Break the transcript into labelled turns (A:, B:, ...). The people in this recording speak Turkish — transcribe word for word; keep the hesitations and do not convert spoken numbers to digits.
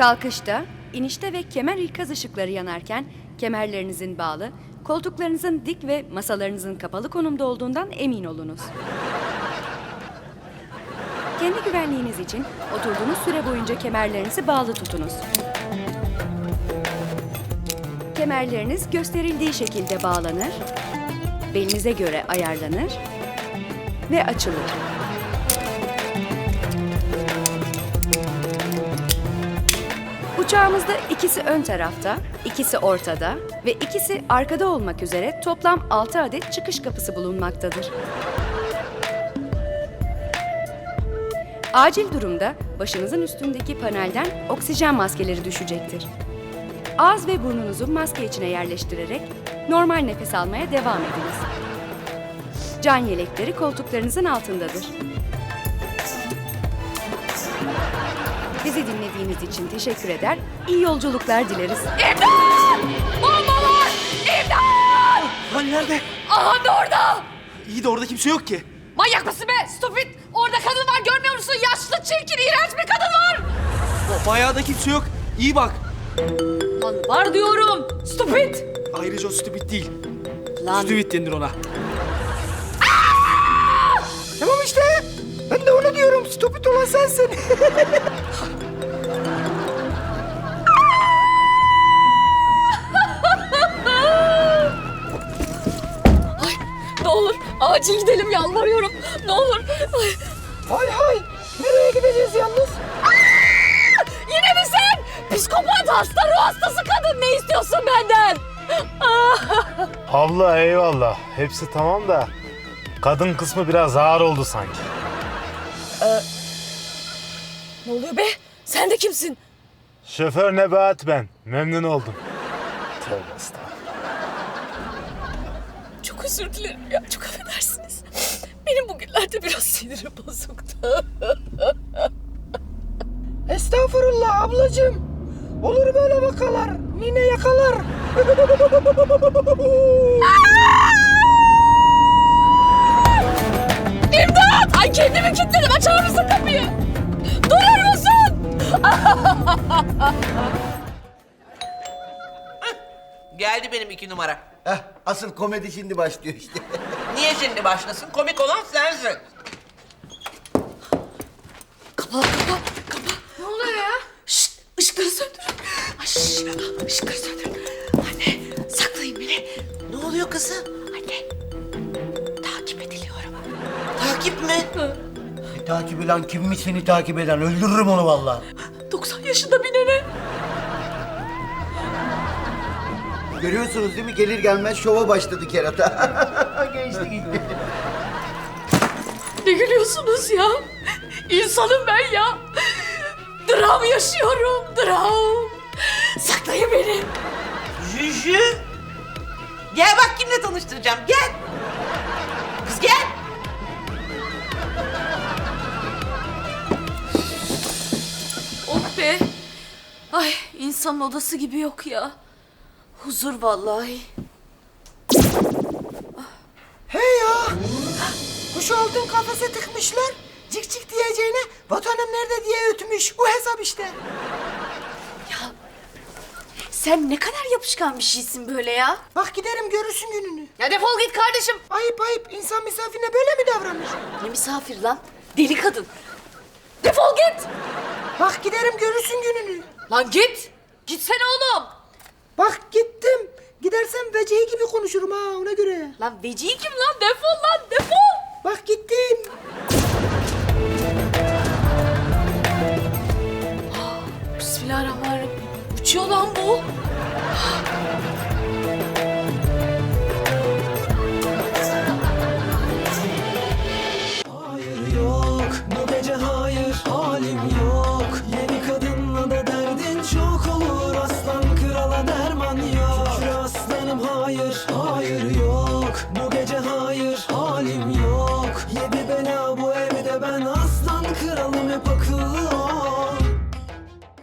A: Kalkışta, inişte ve kemer ikaz ışıkları yanarken kemerlerinizin bağlı, koltuklarınızın dik ve masalarınızın kapalı konumda olduğundan emin olunuz. Kendi güvenliğiniz için oturduğunuz süre boyunca kemerlerinizi bağlı tutunuz. Kemerleriniz gösterildiği şekilde bağlanır, belinize göre ayarlanır ve açılır. Uçağımızda ikisi ön tarafta, ikisi ortada ve ikisi arkada olmak üzere toplam altı adet çıkış kapısı bulunmaktadır. Acil durumda başınızın üstündeki panelden oksijen maskeleri düşecektir. Ağız ve burnunuzu maske içine yerleştirerek normal nefes almaya devam ediniz. Can yelekleri koltuklarınızın altındadır. Bizi dinlediğiniz için teşekkür eder, iyi yolculuklar dileriz.
B: İmdat! Bomba var! İmdat!
C: Lan nerede?
B: Aha da orada!
C: İyi de orada kimse yok ki.
B: Manyak mısın be? Stupid! Orada kadın var, görmüyor musun? Yaşlı, çirkin, iğrenç bir kadın var!
C: O bayağı da kimse yok. İyi bak.
B: Lan var diyorum! Stupid!
C: Ayrıca o stupid değil.
B: Lan...
C: Stupid denir ona. Tamam işte. Ben de onu diyorum. Stupid olan sensin.
B: Ay, ne olur acil gidelim, yalvarıyorum. Ne olur. Ay.
C: Hay hay. Nereye gideceğiz yalnız?
B: Aa! Yine mi sen? Psikopat, hasta, ruh hastası kadın. Ne istiyorsun benden?
D: Abla eyvallah. Hepsi tamam da kadın kısmı biraz ağır oldu sanki.
B: Ne oluyor be? Sen de kimsin?
D: Şoför Nebahat ben. Memnun oldum. Tövbe estağfurullah.
B: Çok özür dilerim ya, çok affedersiniz. Benim bugünlerde biraz sinirim bozuktu.
C: Estağfurullah ablacığım. Olur böyle vakalar. Nine yakalar.
B: İmdat! Ay kendimi kilitledim, açar mısın kapıyı? Durur musun?
E: Geldi benim iki numara.
F: Heh, asıl komedi şimdi başlıyor işte.
E: Niye şimdi başlasın? Komik olan sensin.
B: Kapa, kapa, kapa. Ne oluyor ya? Şşt, ışıkları söndürün. Ay, şşt, ışıkları söndürün. Anne, saklayın beni.
E: Ne oluyor kızım?
B: Anne, takip ediliyorum.
E: Takip mi?
F: Ne takibi lan, kimmiş seni takip eden? Öldürürüm onu vallahi.
B: doksan yaşında bir nene.
F: Görüyorsunuz değil mi? Gelir gelmez şova başladı kerata. Geçti gitti.
B: Ne gülüyorsunuz ya? İnsanım ben ya. Dram yaşıyorum, dram. Saklayın beni.
E: Jüjü. Gel bak kimle tanıştıracağım. Gel. Kız gel.
B: Oh be. Ay, insanın odası gibi yok ya. Huzur vallahi.
C: Hey ya. Kuş oldun kafese tıkmışlar. Cik cik diyeceğine vatanım nerede diye ötmüş. Bu hesap işte.
B: Sen ne kadar yapışkan bir şeysin böyle ya.
C: Bak giderim görürsün gününü.
B: Ya defol git kardeşim.
C: Ayıp ayıp. İnsan misafirine böyle mi davranır?
B: Ne misafir lan? Deli kadın. Defol git.
C: Bak giderim görürsün gününü.
B: Lan git. Gitsene oğlum.
C: Bak gittim. Gidersem vecihi gibi konuşurum ha ona göre.
B: Lan vecihi kim lan? Defol lan defol.
C: Bak gittim.
B: Bismillahirrahmanirrahim. Uçuyor lan bu.